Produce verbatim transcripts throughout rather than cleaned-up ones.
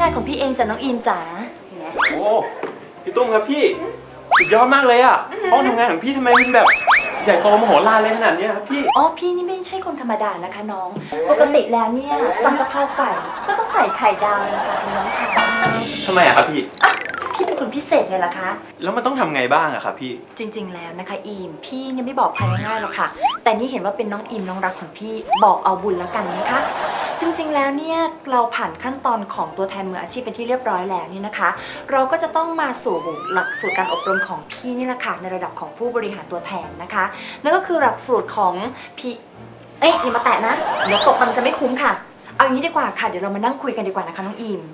งานของพี่เองจ้ะน้องอิมจ๋าโอ้พี่ตุ้มครับพี่สุดยอดมากเลยอ่ะห้องทำงานของพี่ทำไมมันแบบใหญ่โตมโหฬารเลยขนาดนี้ครับพี่อ๋อพี่นี่ไม่ใช่คนธรรมดานะคะน้องปกติแล้วเนี่ยสั่งกะเพราไก่ก็ต้องใส่ไข่ดาวนะคะคุณน้องค่ะทำไมอะครับพี่อ่ะพี่เป็นคนพิเศษไงล่ะคะแล้วมันต้องทำไงบ้างอะครับพี่จริงๆแล้วนะคะอิมพี่เนี่ยไม่บอกใครง่ายๆหรอกค่ะแต่นี่เห็นว่าเป็นน้องอิมน้องรักของพี่บอกเอาบุญแล้วกันนะคะจริงๆแล้วเนี่ยเราผ่านขั้นตอนของตัวแทนมืออาชีพเป็นที่เรียบร้อยแล้วนี่นะคะเราก็จะต้องมาสู่หลักสูตรการอบรมของพี่นี่แหละค่ะในระดับของผู้บริหารตัวแทนนะคะนั่นก็คือหลักสูตรของพี่เอ๊ะอย่ามาแตะนะเดี๋ยวตกมันจะไม่คุ้มค่ะเอาอย่างนี้ดีกว่าค่ะเดี๋ยวเรามานั่งคุยกันดีกว่านะคะน้องอิม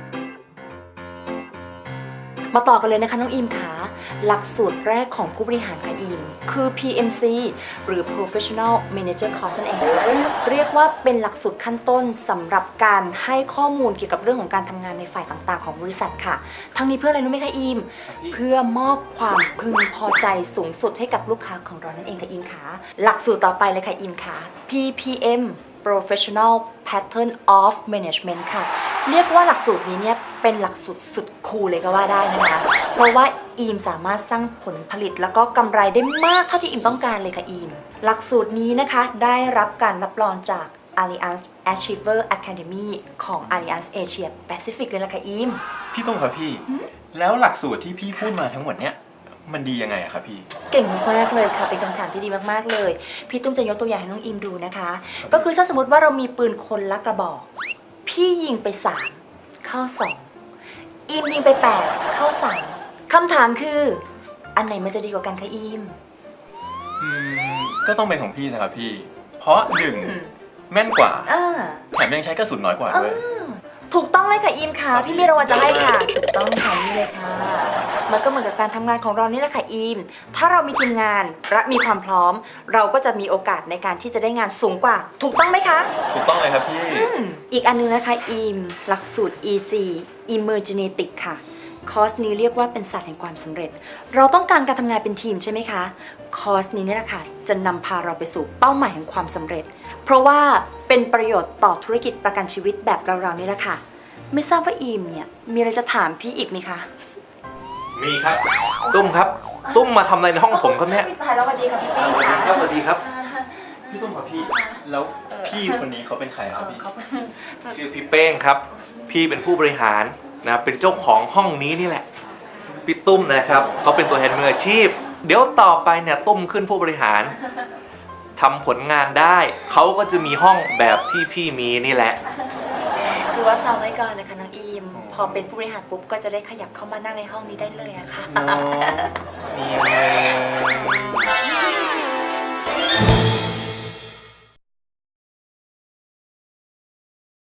มาต่อกันเลยนะคะน้องอิมค่ะหลักสูตรแรกของผู้บริหารค่ะอิมคือ พี เอ็ม ซี หรือ Professional Manager Course นั่นเองค่ะเรียกว่าเป็นหลักสูตรขั้นต้นสำหรับการให้ข้อมูลเกี่ยวกับเรื่องของการทำงานในฝ่ายต่างๆของบริษัทค่ะทั้งนี้เพื่ออะไรรู้ไหมคะอิมเพื่อมอบความพึงพอใจสูงสุดให้กับลูกค้าของเรานั่นเองค่ะอิมค่ะหลักสูตรต่อไปเลยค่ะอิมค่ะ พี พี เอ็มProfessional Pattern of Management ค่ะเรียกว่าหลักสูตรนี้เนี่ยเป็นหลักสูตรสุดคูลเลยก็ว่าได้นะคะเพราะว่าอีมสามารถสร้างผลผลิตแล้วก็กำไรได้มากเท่าที่อีมต้องการเลยค่ะอีมหลักสูตรนี้นะคะได้รับการรับรองจาก Allianz Achiever Academy ของ Allianz Asia Pacific เลยล่ะค่ะอีมพี่ตุ้มครับพี่แล้วหลักสูตรที่พี่พูดมาทั้งหมดเนี้ยมันดียังไงอะครับพี่เก่งมากเลยค่ะเป็นคำถามที่ดีมากๆเลยพี่ตุ้มจะยกตัวอย่างให้น้องอิมดูนะคะก็คือถ้าสมมติว่าเรามีปืนคนละกระบอกพี่ยิงไปสามเข้าสองอิมยิงไปแปดเข้าสามคำถามคืออันไหนมันจะดีกว่ากันคะอิมอืมก็ต้องเป็นของพี่นะครับพี่เพราะหนึ่งแม่นกว่าแถมยังใช้กระสุนน้อยกว่าด้วยถูกต้องเลยค่ะอิมค่ะพี่มีรางวัลจะให้ค่ะถูกต้องค่ะนี่เลยค่ะมันก็เหมือนกับการทำงานของเรานี่แหละค่ะอิมถ้าเรามีทีมงานและมีความพร้อมเราก็จะมีโอกาสในการที่จะได้งานสูงกว่าถูกต้องไหมคะถูกต้องเลยครับพี่อีกอันนึงนะคะอิมหลักสูตร อี จี Emergenetic ค่ะคอร์สนี้เรียกว่าเป็นศาสตร์แห่งความสำเร็จเราต้องการการทำงานเป็นทีมใช่ไหมคะคอร์สนี้เนี่ยนะคะจะนำพาเราไปสู่เป้าหมายแห่งความสำเร็จเพราะว่าเป็นประโยชน์ต่อธุรกิจประกันชีวิตแบบเราๆนี่แหละค่ะไม่ทราบว่าอีมเนี่ยมีอะไรจะถามพี่อีกไหมคะมีครับตุ้มครับตุ้มมาทำอะไรในห้องผมครับเนี่ยพี่สวัสดีค่ะพี่เป้สวัสดีครับสวัสดีครับพี่ตุ้มครับพี่แล้วพี่คนนี้เขาเป็นใครครับพี่ชื่อพี่เป้งครับพี่เป็นผู้บริหารนะเป็นเจ้าของห้องนี้นี่แหละพี่ตุ้มนะครับเขาเป็นตัวแทนมืออาชีพเดี๋ยวต่อไปเนี่ยตุ้มขึ้นผู้บริหารทำผลงานได้เขาก็จะมีห้องแบบที่พี่มีนี่แหละคือว่าซ้อมไว้ก่อนนะคะน้องอีมพอเป็นผู้บริหารปุ๊บก็จะได้ขยับเข้ามานั่งในห้องนี้ได้เลยอะค่ะ